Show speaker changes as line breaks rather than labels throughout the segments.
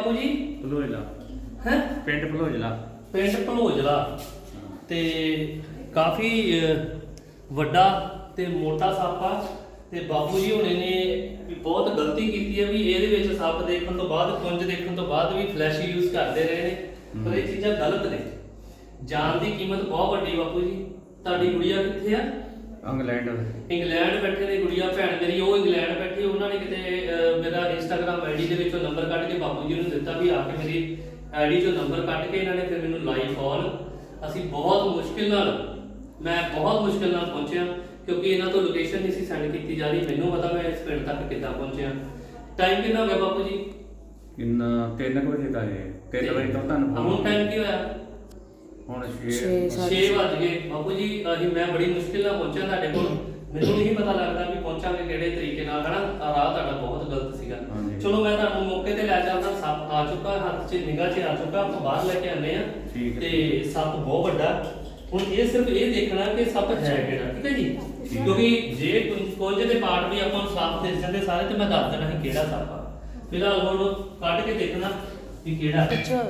ਬਾਪੂ ਜੀ?
ਭਲੋਜਲਾ
ਹੈ
ਪਿੰਡ ਭਲੋਜਲਾ।
ਪਿੰਡ ਭਲੋਜਲਾ। ਤੇ ਕਾਫੀ ਵੱਡਾ ਤੇ ਮੋਟਾ ਸੱਪ ਆ ਤੇ ਬਾਪੂ ਜੀ ਹੁਣੇ ਨੇ ਵੀ ਬਹੁਤ ਗਲਤੀ ਕੀਤੀ ਹੈ ਵੀ ਇਹਦੇ ਵਿੱਚ ਸੱਪ ਦੇਖਣ ਤੋਂ ਬਾਅਦ ਕੁੰਜ ਦੇਖਣ ਤੋਂ ਬਾਅਦ ਵੀ ਫਲੈਸ਼ ਯੂਜ਼ ਕਰਦੇ ਰਹੇ ਨੇ, ਪਰ ਇਹ ਚੀਜ਼ਾਂ ਗਲਤ ਨੇ। ਜਾਨ ਦੀ ਕੀਮਤ ਬਹੁਤ ਵੱਡੀ ਬਾਪੂ ਜੀ। ਤੁਹਾਡੀ ਗੁੜੀਆ ਕਿੱਥੇ ਆ?
ਇੰਗਲੈਂਡ
ਬੈਠੇ ਨੇ ਗੁੜੀਆ ਭੈਣ ਮੇਰੀ, ਉਹ ਇੰਗਲੈਂਡ ਬੈਠੀ। ਉਹਨਾਂ ਨੇ ਕਿਤੇ ਮੇਰਾ ਇੰਸਟਾਗ੍ਰਾਮ ਆਈਡੀ ਦੇ ਵਿੱਚੋਂ ਨੰਬਰ ਕੱਢ ਕੇ ਬਾਪੂ ਜੀ ਨੂੰ ਦਿੱਤਾ ਵੀ ਆ ਕੇ ਮੇਰੀ ਆਈਡੀ 'ਚੋਂ ਨੰਬਰ ਕੱਢ ਕੇ ਇਹਨਾਂ ਨੇ ਫਿਰ ਮੈਨੂੰ ਲਾਈਵ ਕਾਲ। ਅਸੀਂ ਬਹੁਤ ਮੁਸ਼ਕਿਲ ਨਾਲ ਪਹੁੰਚਿਆ ਕਿਉਂਕਿ ਇਹਨਾਂ ਤੋਂ ਲੋਕੇਸ਼ਨ ਨਹੀਂ ਸੀ ਸੈਂਡ ਕੀਤੀ ਜਾ ਰਹੀ। ਮੈਨੂੰ ਪਤਾ ਮੈਂ ਇਸ ਪਿੰਡ ਤੱਕ ਕਿੱਦਾਂ ਪਹੁੰਚਿਆ। ਟਾਈਮ ਕਿੰਨਾ ਹੋ ਗਿਆ ਬਾਪੂ ਜੀ?
ਕਿੰਨਾ 3 ਵਜੇ ਦਾ ਹੈ। 3 ਵਜੇ ਤੋਂ ਤੁਹਾਨੂੰ
ਹੁਣ ਟਾਈਮ ਕੀ ਹੋਇਆ?
ਹੁਣ
6 ਵੱਜ ਗਏ ਬਾਪੂ ਜੀ। ਮੈਂ ਬੜੀ ਮੁਸ਼ਕਿਲ ਨਾਲ ਪਹੁੰਚਿਆ ਤੁਹਾਡੇ ਕੋਲ। ਮੈਨੂੰ ਨਹੀਂ ਪਤਾ ਲੱਗਦਾ ਵੀ ਪਹੁੰਚਾਂਗੇ ਕਿਹੜੇ ਤਰੀਕੇ ਨਾਲ, ਹਨਾ। ਰਾਹ ਤੁਹਾਡਾ ਬਹੁਤ ਗਲਤ ਸੀਗਾ। ਚਲੋ ਮੈਂ ਤੁਹਾਨੂੰ ਮੌਕੇ ਤੇ ਲੈ ਚੱਲਦਾ। ਸੱਪ ਆ ਚੁੱਕਾ, ਹੱਥ 'ਚ ਨਿਗਾਹ 'ਚ ਆ ਚੁੱਕਾ। ਆਪਾਂ ਬਾਹਰ ਲੈ ਕੇ ਆਨੇ ਆ ਤੇ ਸੱਪ ਬਹੁਤ ਵੱਡਾ। ਹੁਣ ਇਹ ਸਿਰਫ ਇਹ ਦੇਖਣਾ ਕਿ ਸੱਪ ਹੈ ਕਿਹੜਾ, ਠੀਕ ਹੈ ਜੀ? ਕਿਉਂਕਿ ਜੇ ਕੁੰਜ ਦੇ ਪਾਰਟ ਵੀ ਆਪਾਂ ਨੂੰ ਸਾਫ਼ ਦਿਸ ਜਾਂਦੇ ਸਾਰੇ ਤੇ ਮੈਂ ਦੱਸ ਦੇਣਾ ਸੀ ਕਿਹੜਾ ਸੱਪ ਆ। ਫਿਲਹਾਲ ਹੁਣ ਕੱਢ ਕੇ ਦੇਖਣਾ ਵੀ ਕਿਹੜਾ।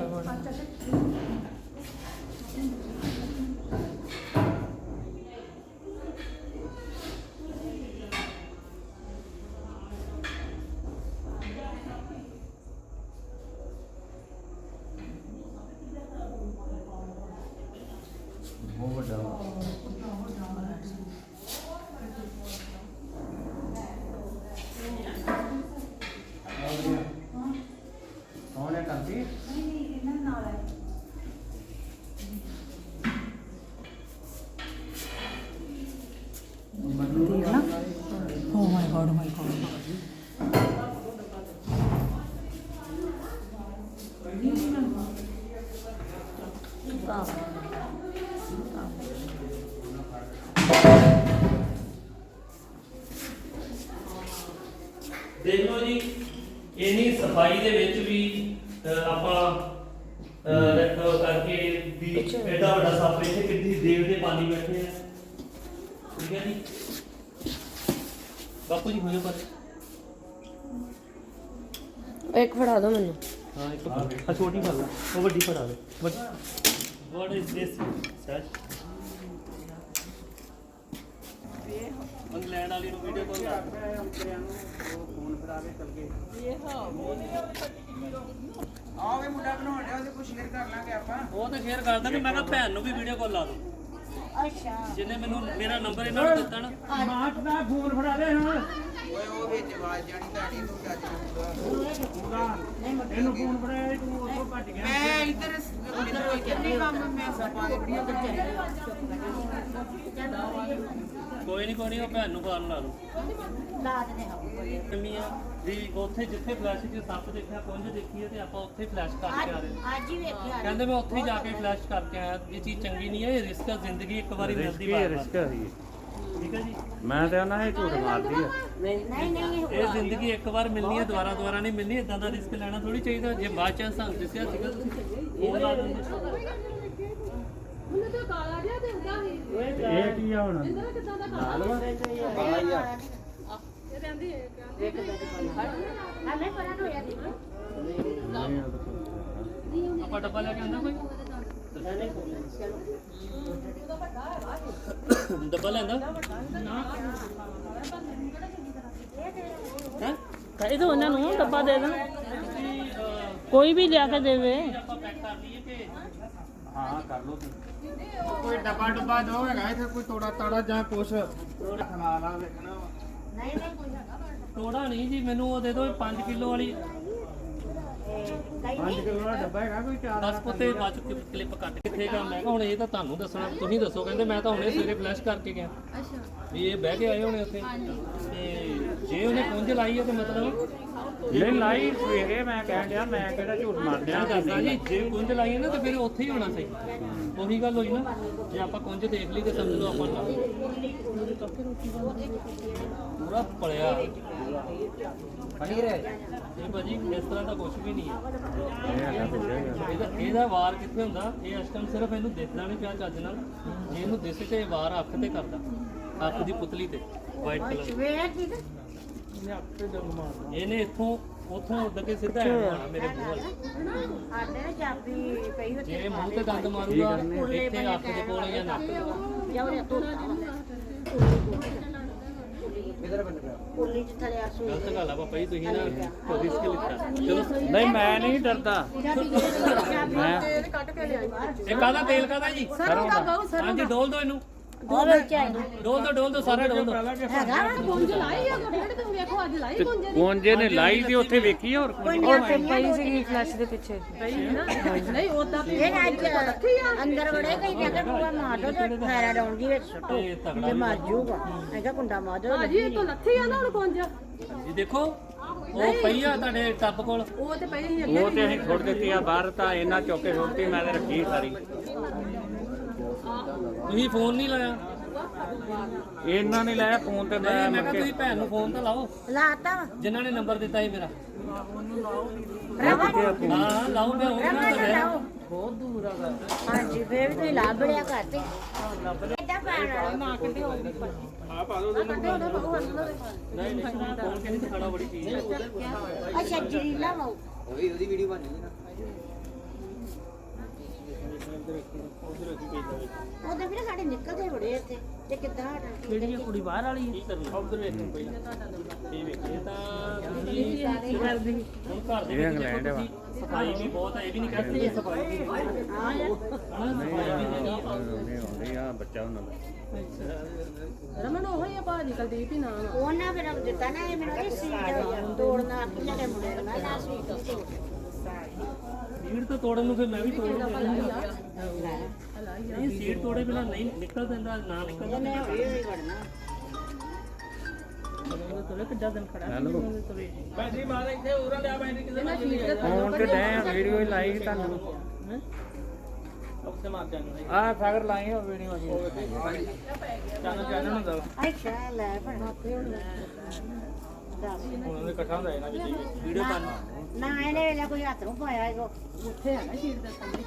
ਬਹੁਤ ਵੱਡਾ ਕੌਣ ਹੈ Kanti?
Oh my god, oh my god.
ਦੇਖ ਲਓ ਜੀ, ਇੰਨੀ ਸਫਾਈ ਦੇ ਵਿੱਚ ਵੀ ਆਪਾਂ ਰੱਖੋ ਕਰਕੇ ਵੀ ਐਡਾ ਵੱਡਾ ਸੱਪ ਇੱਥੇ ਕਿੰਨੀ ਦੇਰ ਦੇ ਪਾਣੀ ਬੈਠੇ ਆ। ਠੀਕ ਹੈ ਜੀ ਬਾਪੂ ਜੀ? ਹੋਇਓ ਪਰ
ਇੱਕ ਫੜਾ ਦਿਓ ਮੈਨੂੰ।
ਹਾਂ ਇੱਕ ਆ ਛੋਟੀ ਫੜ ਲਾ, ਉਹ ਵੱਡੀ ਫੜਾ ਦੇ। What is this sir? England ਵਾਲੀ ਨੂੰ ਵੀਡੀਓ ਕਾਲ ਕਰ ਫੋਨ ਫੜਾ ਕੇ ਚੱਲ ਗਏ।
ਆਵੇ ਮੁੰਡਾ ਬਣਾਉਣ ਡਿਆ, ਉਹਦੇ ਕੁਝ ਸ਼ੇਅਰ ਕਰ ਲਾਂਗੇ ਆਪਾਂ।
ਉਹ ਤਾਂ ਸ਼ੇਅਰ ਕਰ ਦਾਂਗੇ। ਮੈਂ ਕਿਹਾ ਭੈਣ ਨੂੰ ਵੀ ਵੀਡੀਓ ਕਾਲ ਲਾ ਦੋ। ਅੱਛਾ, ਜਿਹਨੇ ਮੈਨੂੰ ਮੇਰਾ ਨੰਬਰ ਇਹਨਾਂ ਨੂੰ ਦਿੱਤਾ ਨਾ।
ਮਾਟ ਦਾ ਫੋਨ ਫੜਾ ਦੇ ਹੁਣ। ਓਏ ਉਹ ਵਿੱਚ ਆਵਾਜ਼ ਜਾਣੀ ਤੁਹਾਡੀ ਤੂੰ ਚੱਜ ਇਹਨੂੰ ਫੋਨ ਫੜਾਇਆ ਤੂੰ ਉੱਥੋਂ ਭੱਜ ਗਿਆ। ਮੈਂ ਇੱਧਰ ਹੋਈ ਕਿੰਨੇ ਕੰਮ ਮੈਂ ਸਪਾ ਦੇ ਵੀਡੀਓ ਕਰ
ਕੋਈ ਨਹੀਂ ਉਹ ਭੈਣ ਨੂੰ ਫੋਨ ਲਾ ਲਓ।
ਲਾ ਦੇ ਹਾਂ
ਵੀ ਉੱਥੇ ਜਿੱਥੇ ਫਲੈਸ਼ 'ਚ ਸੱਪ ਦੇਖਿਆ, ਕੁੰਝ ਦੇਖੀ ਹੈ ਤੇ ਆਪਾਂ ਉੱਥੇ ਫਲੈਸ਼ ਕਰਕੇ ਆ ਰਹੇ।
ਅੱਜ ਹੀ ਵੇਖਿਆ।
ਕਹਿੰਦੇ ਮੈਂ ਉੱਥੇ ਹੀ ਜਾ ਕੇ ਫਲੈਸ਼ ਕਰਕੇ ਆਇਆ। ਇਹ ਚੀਜ਼ ਚੰਗੀ ਨਹੀਂ ਹੈ। ਇਹ ਰਿਸਕ ਹੈ, ਜ਼ਿੰਦਗੀ ਇੱਕ ਵਾਰੀ ਮਿਲਦੀ ਹੈ।
ਰਿਸਕ ਹੈ ਜੀ।
ਠੀਕ ਹੈ ਜੀ?
ਮੈਂ ਤੇ ਨਾ ਇਹ ਝੂਠ ਮਾਰਦੀ ਆ।
ਨਹੀਂ
ਇਹ ਜ਼ਿੰਦਗੀ ਇੱਕ ਵਾਰ ਮਿਲਣੀ ਹੈ, ਦੁਬਾਰਾ ਨਹੀਂ ਮਿਲਣੀ। ਇਦਾਂ ਦਾ ਰਿਸਕ ਲੈਣਾ ਥੋੜੀ ਚਾਹੀਦਾ। ਜੇ ਬਾਅਦ ਚਾਂਸ ਸਾਨੂੰ ਦੱਸਿਆ ਸੀਗਾ ਤੁਸੀਂ ਉਹ ਲਾ ਦਿੰਦੇ।
ਮੈਨੂੰ ਤਾਂ ਕਾਲਾ ਜਿਹਾ ਦਿਖਦਾ ਸੀ।
ਇਹ ਕੀ ਆ ਹੁਣ?
ਇਹਦਾ ਕਿੱਦਾਂ ਦਾ ਕਾਲਾ?
ਲਾਲ ਵਾ?
ਇਹ ਕਹਿੰਦੀ
ਹਲੇ ਪਰਾਂ ਨੂੰ ਹੋਇਆ ਦੇਖੋ।
ਆਪਾਂ ਡੱਬਾ ਲੈ ਕੇ ਆਂਦਾ ਕੋਈ? ਡੱਬਾ ਲੈਂਦਾ ਹੈ?
ਇਹ ਤਾਂ ਉਹਨਾਂ ਨੂੰ ਡੱਬਾ ਦੇ ਦੇਣਾ, ਕੋਈ ਵੀ ਲਿਆ ਕੇ ਦੇਵੇ।
ਆਪਾਂ ਪੈਕ ਕਰ ਲਈਏ ਕਿ
ਹਾਂ ਕਰ ਲਓ।
ਕੋਈ ਡੱਬਾ ਦੋ ਹੈਗਾ ਇੱਥੇ, ਕੋਈ ਤੋੜਾ ਤਾੜਾ ਜਾਂ ਕੁਛ ਸਮਾਨ ਆ ਵੇਖਣਾ ਵਾ।
ਨਹੀਂ ਕੋਈ ਹੈਗਾ
ਤੋੜਾ ਨਹੀਂ ਜੀ, ਮੈਨੂੰ ਉਹ ਦੇ ਦਿਓ 5 ਕਿਲੋ ਵਾਲੀ।
5 ਕਿਲੋ ਦਾ ਡੱਬਾ ਹੈਗਾ ਕੋਈ 4
10 ਪੁੱਤੇ ਬਾਅਦ ਚ ਕਲਿੱਪ ਕੱਟ ਕਿੱਥੇ ਗਿਆ। ਮੈਂ ਕਿਹਾ ਹੁਣ ਇਹ ਤਾਂ ਤੁਹਾਨੂੰ ਦੱਸਣਾ, ਤੁਸੀਂ ਦੱਸੋ। ਕਹਿੰਦੇ ਮੈਂ ਤਾਂ ਹੁਣੇ ਸਵੇਰੇ ਫਲੈਸ਼ ਕਰਕੇ ਗਿਆ। ਵੀ ਇਹ ਬਹਿ ਕੇ ਆਏ ਹੋਣੇ ਉੱਥੇ। ਤੇ ਜੇ ਉਹਨੇ ਕੁੰਝ ਲਾਈ ਹੈ ਤੇ ਮਤਲਬ
ਨਹੀਂ ਲਾਈ ਸਵੇਰੇ। ਮੈਂ ਕਹਿਣ ਡਿਆ ਮੈਂ ਕਿਹੜਾ ਝੂਠ ਮਾਰਦਿਆ।
ਮੈਂ ਦੱਸਦਾ ਜੀ, ਜੇ ਕੁੰਝ ਲਾਈ ਹੈ ਨਾ ਤਾਂ ਫਿਰ ਉੱਥੇ ਹੀ ਹੋਣਾ ਸਹੀ। ਉਹੀ ਗੱਲ ਹੋਈ ਨਾ, ਜੇ ਆਪਾਂ ਕੁੰਝ ਦੇਖ ਲਈ ਤੇ ਸਮਝ ਲਓ ਆਪਾਂ ਪੂਰਾ ਪਲਿਆ।
ਪਨੀਰ ਹੈ
ਇਹ ਭਾਜੀ ਇਸ ਤਰ੍ਹਾਂ ਦਾ ਕੁਝ ਵੀ ਨਹੀਂ ਹੈ।
ਇਹ ਹੈਗਾ ਦੂਜਾ ਹੀ ਆ।
ਇਹਦਾ ਵਾਰ ਕਿੱਥੇ ਹੁੰਦਾ? ਇਹ ਇਸ ਟਾਈਮ ਸਿਰਫ ਇਹਨੂੰ ਦੇਖਦਾ ਨਹੀਂ ਪਿਆ ਚੱਜ ਨਾਲ। ਜੇ ਇਹਨੂੰ ਦਿਸੇ ਤੇ ਵਾਰ ਅੱਖ ਤੇ ਕਰਦਾ, ਅੱਖ ਦੀ ਪੁਤਲੀ ਤੇ ਵਾਈਟ ਕਲਰ।
ਵੇਖ ਕੀ
ਇਹਨੇ ਇੱਥੋਂ ਉੱਥੋਂ ਉੱਡ ਕੇ ਸਿੱਧਾ ਆਉਣਾ ਮੇਰੇ ਮੂੰਹ ਵੱਲ।
ਆਡੇ ਨੇ ਚਾਬੀ ਪਈ ਉੱਥੇ
ਜੇ ਮੂੰਹ ਤੇ ਦੰਦ ਮਾਰੂਗਾ ਇੱਥੇ ਅੱਖ ਦੇ ਕੋਲ ਜਾਂ ਨੱਕ ਦੇ ਕੋਲ।
ਜਾਉਰੇ ਤੂੰ ਪੁੱਲੀ ਚ ਥਲੇ ਆਸੂ
ਗਲਤ ਗੱਲ ਆ ਪਾਪਾ ਜੀ, ਤੁਸੀਂ ਨਾ ਰਿਸਕ ਲਿੱਤਾ। ਚਲੋ
ਨਹੀਂ ਮੈਂ ਨਹੀਂ ਡਰਦਾ ਮੈਂ
ਇਹ ਕਾਹਦਾ ਤੇਲ ਕਾਹਦਾ ਜੀ? ਹਾਂਜੀ ਡੋਲ ਦੋ ਇਹਨੂੰ,
ਉਹ ਵਿੱਚ ਆਈ
ਡੋਲ ਦੋ ਸਾਰਾ ਡੋਲ ਦੋ।
ਹੈਗਾ ਨਾ ਪੁੰਜ ਲਾਈ ਆ ਗੱਡੇ ਤੂੰ ਵੇਖੋ ਅੱਜ ਲਾਈ ਪੁੰਜ
ਕੋਂਜੇ ਨੇ ਲਾਈ ਤੇ ਉੱਥੇ ਵੇਖੀ ਹੋਰ
ਪਈ ਸੀਗੀ ਫਲੈਸ਼ ਦੇ ਪਿੱਛੇ
ਨਹੀਂ ਉਹਦਾ ਇਹ ਅੱਜ ਅੰਦਰ ਵੜੇ ਕਈ ਜਗ੍ਹਾ ਬੂਆ ਮਾਰ ਦੋ ਤੇ ਫੈਰਾ ਡਾਉਣ ਦੀ ਵਿੱਚ ਸੁੱਟੋ
ਇਹ ਤਗੜਾ
ਜੇ ਮਰ ਜਾਊਗਾ ਹੈਗਾ ਕੁੰਡਾ ਮਾਰ ਦੋ
ਜੀ ਇਹ ਤਾਂ ਲੱਥੀ ਆ ਨਾ ਹੁਣ ਪੁੰਜ
ਜੀ ਦੇਖੋ ਉਹ ਪਈ ਆ ਤੁਹਾਡੇ ਟੱਬ ਕੋਲ।
ਉਹ ਤੇ ਪਈ ਸੀ
ਉਹ ਤੇ ਅਸੀਂ ਛੋੜ ਦਿੱਤੀ ਆ ਬਾਹਰ ਤਾਂ ਇਹਨਾਂ ਚੁੱਕ ਕੇ ਸੁੱਟੀ ਮੈਂ ਤੇ ਰੱਖੀ ਸਾਰੀ
ਤੁਸੀਂ ਫੋਨ ਨਹੀਂ ਲਾਇਆ?
ਇਹਨਾਂ ਨੇ ਲਾਇਆ ਫੋਨ ਤੇ
ਨਹੀਂ
ਮੈਂ
ਮੈਂ ਕਿਹਾ ਤੁਸੀਂ ਭੈਣ ਨੂੰ ਫੋਨ ਤਾਂ ਲਾਓ
ਲਾਤਾ ਵਾ
ਜਿਨ੍ਹਾਂ ਨੇ ਨੰਬਰ ਦਿੱਤਾ ਸੀ ਮੇਰਾ।
ਰਮਨ
ਹਾਂ ਲਾਓ, ਮੈਂ ਉਹਨਾਂ ਨੂੰ ਤਾਂ
ਲਾਓ ਬਹੁਤ ਦੂਰ ਆ ਹਾਂਜੀ ਫੇਰ ਵੀ ਤੁਸੀਂ ਲੱਭ ਲਿਆ ਕਰਤੇ ਐਡਾ ਪੈਣ ਵਾਲਾ ਮਾਂ ਕਿਤੇ ਹੋ ਗਈ
ਨਹੀਂ ਨਹੀਂ ਫੋਨ ਕੇ ਨਹੀਂ ਦਿਖਾਣਾ, ਬੜੀ ਚੀਜ਼ ਹੈ।
ਅੱਛਾ ਜਰੀਲਾ ਮਾਉ ਉਹਦੇ ਵੀਰੇ ਸਾਡੇ ਨਿਕਲਦੇ ਬੜੇ ਇੱਥੇ ਤੇ ਕਿੱਦਾਂ ਹਟਣ
ਜਿਹੜੀ ਕੁੜੀ ਬਾਹਰ ਵਾਲੀ
ਕੀ ਕਰਨਾ ਆਬਜ਼ਰਵੇਸ਼ਨ ਪਹਿਲਾਂ ਇਹ ਵੇਖੇ ਤਾਂ ਤੁਸੀਂ ਹੁਣ ਘਰ ਦੇ ਵਿੱਚ ਦੇਖੋ ਤੁਸੀਂ ਸਫਾਈ ਵੀ ਬਹੁਤ ਹੈ, ਇਹ ਵੀ ਨਹੀਂ ਕਹਿੰਦੇ ਸਫਾਈ ਵੀ
ਹਾਂ ਯਾਰ
ਆਉਂਦੇ ਆ ਬੱਚਾ ਉਹਨਾਂ ਦਾ
ਰਮਨ ਉਹ ਹੀ ਆ ਭਾਜੀ ਕੁਲਦੀਪ ਹੀ ਨਾਮ ਆ।
ਉਹਨਾਂ ਫਿਰ ਦਿੱਤਾ ਨਾ ਇਹ ਮੈਨੂੰ ਇਹ ਸੀਟ ਤੋੜਨਾ ਕਿ ਜਿਹੜੇ ਮੁੰਡੇ ਦਾ ਨਾ ਸੀਟ ਨਹੀਂ ਤੋੜ
ਸੀਟ ਤੋਂ ਤੋੜਨ ਨੂੰ ਫਿਰ ਮੈਂ ਵੀ ਤੋੜ ਦਿੰਦਾ। ਨਹੀਂ ਸੀਟ ਤੋੜੇ ਬਿਨਾਂ ਨਹੀਂ ਨਿਕਲ ਦਿੰਦਾ, ਨਾ ਨਿਕਲਦਾ
ਇਹਨੇ ਹੋਈ ਹੋਈ ਵੜਨਾ
ਫੋਨ ਤੇ ਡੈ ਵੀਡੀਓ ਹੀ ਲਾਈ ਤੁਹਾਨੂੰ ਆ ਫਾਗਰ ਲਾਈ ਹੋ ਵੀਡੀਓ ਅਸੀਂ ਚੈਨਲ ਨੂੰ ਦੋ
ਅੱਛਾ ਲੈ ਬਣਾ
ਉਹਨਾਂ ਦੇ ਇਕੱਠਾ ਹੁੰਦਾ ਇਹਨਾਂ ਵਿੱਚ
ਵੀਡੀਓ ਬਣ
ਨਾ ਇਹਨੇ ਵੇਲੇ ਕੋਈ ਹੱਥ ਨੂੰ ਪਾਇਆ ਇਹੋ
ਉੱਥੇ ਹੈਗਾ ਸ਼ੀਟ ਦੇ ਥੱਲੇ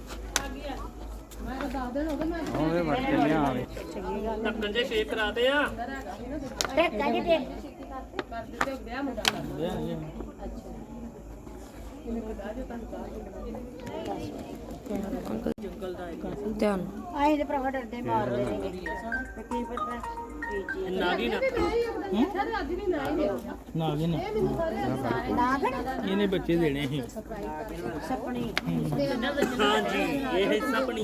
ਮੈਂ ਤਾਂ 10 ਦਿਨ ਹੋ ਗਏ ਮੈਂ
ਉਹਦੇ ਵੜ ਕੇ ਲਿਆ ਆਵੇ
ਢੱਕਣ ਜੇ ਸ਼ੇਕ ਕਰਾਤੇ ਆ।
ਟੇਕਾ ਜੀ ਟੇਕ
ਕਰ ਦਿੱਤੇ ਵਿਆਹ ਮੁੰਡਾ ਅੱਛਾ ਇਹਨੇ ਬਤਾ ਜੋ
ਧਿਆਨ
ਆਏ ਤੇ ਭਰਾ ਡਰਦੇ ਮਾਰਦੇ ਨੇ ਤੇ ਕੀ ਪਤਾ ਕੀ ਚੀਜ਼
ਨਾਗੀ ਨਾ
ਸਾਰੇ ਅੱਜ ਵੀ ਨਾ ਹੀ
ਨਾ ਜੀ ਨਾ
ਇਹ ਮੈਨੂੰ ਸਾਰੇ
ਨਾ ਫਿਰ
ਇਹਨੇ ਬੱਚੇ ਦੇਣੇ ਸੀ
ਸਪਣੀ
ਹਾਂਜੀ ਇਹ ਸਪਣੀ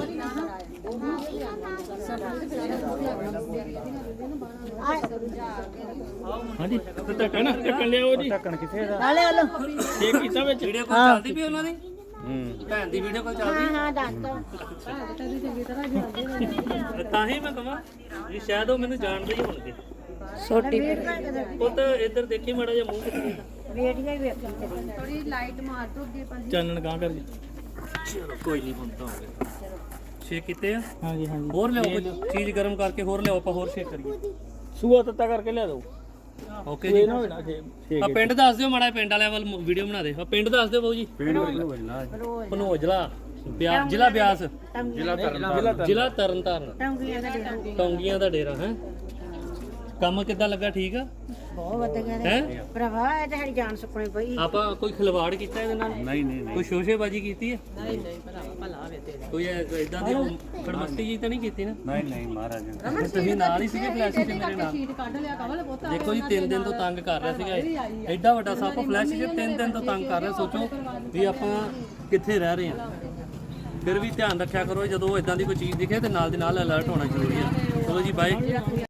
ਹਾਂਜੀ ਤੇ ਢੱਕਣ ਢੱਕਣ ਲਿਆਓ ਜੀ ਢੱਕਣ ਕਿੱਥੇ ਦਾ
ਨਾਲੇ ਹਲੋ
ਛੇਕ ਕੀਤਾ ਵਿੱਚ
ਵੀਡੀਓ ਕਾਲ ਚੱਲਦੀ ਪਈ ਉਹਨਾਂ ਦੀ ਭੈਣ ਦੀ ਵੀਡੀਓ ਕਾਲ
ਹਾਂ
ਚੱਲਦੀ
ਹਾਂ ਦੱਸ
ਤੇਰੀ ਚੰਗੀ ਤਰ੍ਹਾਂ ਜਾਣਦੇ
ਤਾਂ ਹੀ ਮੈਂ ਕਹਾਂ ਵੀ ਸ਼ਾਇਦ ਉਹ ਮੈਨੂੰ ਜਾਣਦੇ ਹੀ ਹੋਣਗੇ।
ਛੋਟੀ
ਉਹ ਤਾਂ ਇੱਧਰ ਦੇਖੀ ਮਾੜਾ ਜਿਹਾ ਮੂੰਹ ਕਿੱਥੇ ਦਾ।
ਵੀਡੀਓ ਹੀ ਵੇਖੀ ਤੇਰੀ
ਥੋੜੀ ਲਾਈਟ ਮਾਰ ਦੋ ਅੱਗੇ ਪੰਜ
ਚਾਨਣ ਕਾਂ ਕਰ
ਚਲੋ ਕੋਈ ਨਹੀਂ ਹੁਣ ਤਾਂ ਹੋ ਗਿਆ। ਸ਼ੇਕ ਕੀਤੇ ਆ,
ਹਾਂਜੀ ਹਾਂਜੀ
ਹੋਰ ਲਿਆਓ ਕੁਝ ਚੀਜ਼ ਗਰਮ ਕਰਕੇ ਹੋਰ ਲਿਆਓ, ਆਪਾਂ ਹੋਰ ਸ਼ੇਕ ਕਰੀਏ।
ਸੂਆ ਤੱਤਾ ਕਰਕੇ ਲਿਆ ਦੋ
ਓਕੇ ਜੀ।
ਨਾ ਹੋਵੇ ਨਾ ਛੇ
ਆ ਪਿੰਡ ਦੱਸ ਦਿਓ ਮਾੜਾ ਜਿਹਾ, ਪਿੰਡ ਵਾਲਿਆਂ ਵੱਲ ਵੀਡੀਓ ਬਣਾ ਦੇ। ਆ ਪਿੰਡ ਦੱਸ ਦਿਓ ਬਾਊ ਜੀ।
ਪਿੰਡ ਵੱਲੋਂ ਵੱਲਾ
ਭਨੋਜਲਾ ਜ਼ਿਲ੍ਹਾ ਬਿਆਸ,
ਜ਼ਿਲ੍ਹਾ ਤਰਨ
ਜ਼ਿਲ੍ਹਾ ਤਰਨਤਾਰਨ,
ਟੰਗੀਆਂ ਦਾ ਡੇਰਾ
ਟੌਂਗੀਆਂ ਦਾ ਡੇਰਾ ਹੈ। ਕੰਮ ਕਿੱਦਾਂ ਲੱਗਾ? ਠੀਕ ਆ
ਬਹੁਤ ਵਧੀਆ ਨੇ
ਹੈ।
ਭਰਾਵਾ ਇਹ ਤਾਂ ਸਾਡੀ ਜਾਨ ਸੁੱਕਣੀ ਪਈ
ਆਪਾਂ ਕੋਈ ਖਿਲਵਾੜ ਕੀਤਾ ਇਹਦੇ ਨਾਲ?
ਨਹੀਂ ਨਹੀਂ
ਕੋਈ ਸ਼ੋਸ਼ੇਬਾਜ਼ੀ ਕੀਤੀ ਹੈ?
ਨਹੀਂ ਨਹੀਂ ਭਲਾ ਭਲਾ ਆਵੇ ਤੇਰੇ
ਕੋਈ ਇਦਾਂ ਦੀ ਖੜਮਸਤੀ ਜੀ ਤਾਂ ਨਹੀਂ ਕੀਤੀ ਨਾ?
ਨਹੀਂ ਨਹੀਂ ਮਹਾਰਾਜ
ਤੁਸੀਂ ਨਾਲ ਹੀ ਸੀਗੇ ਫਲੈਸ਼ 'ਚ ਮੇਰੇ ਨਾਲ।
ਸ਼ੀਟ ਕੱਢ ਲਿਆ ਕਵਲ ਪੁੱਤ
ਦੇਖੋ ਜੀ 3 ਦਿਨ ਤੋਂ ਤੰਗ ਕਰ ਰਿਹਾ ਸੀਗਾ ਇਹ। ਐਡਾ ਵੱਡਾ ਸੱਪ ਫਲੈਸ਼ 'ਚ 3 ਦਿਨ ਤੋਂ ਤੰਗ ਕਰ ਰਿਹਾ। ਸੋਚੋ ਵੀ ਆਪਾਂ ਕਿੱਥੇ ਰਹਿ ਰਹੇ ਹਾਂ। ਫਿਰ ਵੀ ਧਿਆਨ ਰੱਖਿਆ ਕਰੋ, ਜਦੋਂ ਇਦਾਂ ਦੀ ਕੋਈ ਚੀਜ਼ ਦਿਖੇ ਤੇ ਨਾਲ ਦੀ ਨਾਲ ਅਲਰਟ ਹੋਣਾ ਜ਼ਰੂਰੀ ਹੈ। ਚਲੋ ਜੀ ਬਾਏ।